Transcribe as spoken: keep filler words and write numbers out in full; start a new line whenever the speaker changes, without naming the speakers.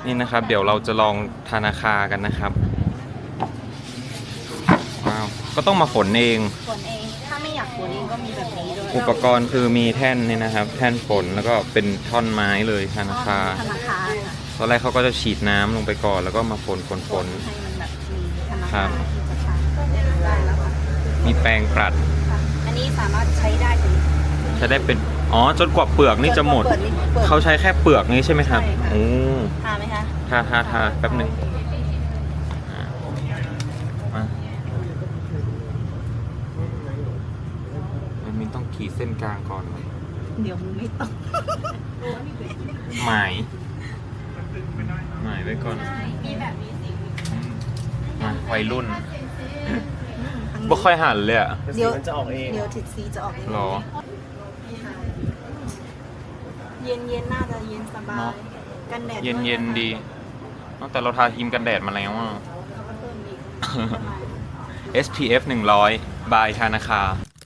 นี่นะครับเดี๋ยวเราจะลองธนาคารกันนะครับว้าวก็ต้องมาฝนเอง
ฝนเองถ้าไม่อยากฝนเองก็มีแบบนี้ด้วย
อุปกรณ์คือมีแท่นนี่นะครับ แท่นฝนแล้วก็เป็นท่อนไม้เลยธนาคาร
ธนาคารค่ะ
ตอนแรกเขาก็จะฉีดน้ำลงไปก่อนแล้วก็มาฝนฝนฝน
ให้มันแบบมีธนา
ครั
คาร
บ
ที่จะใช้ได้แล้วค่ะ
มีแปรงปัด
ค่ะอันนี้สามารถใช้ได้ถึง
ใช้ได้เป็นอ๋อจนกว่าเปลือกนี่จะหมด
เปินี่เปิด
เขาใช้แค่เปลือกนี้ใช่ไหมครับ
ใช่ค่ะ
โอ้
ทาไหมคะ
ทาทาทาแป๊บหนึ่งอ่ะมามันมีต้องขีดเส้นกลางก่อน
เดี๋ยวมึงไม่ต้อง
หมายหมายไว้ก่อน
มีแบบนี้สิ
มาวัยรุ่นบ่ค่อยหันเลยอะ
เดี๋ยว
มันจะออกเอง
เดี๋ยวทิศซีจะออกเอง
หรอ
เย็นเย็นๆน่าจะเย็นสบา
เน
ย
อะ
กันแดด
เย็น
ว
เย็น
นะคะ
ดีตั้งแต่เราทาครีมกันแดดมาแล้วอะ
แล้วก็เพิ่มอีกประมาณ
เอส พี เอฟ หนึ่งร้อยบายธนาคาร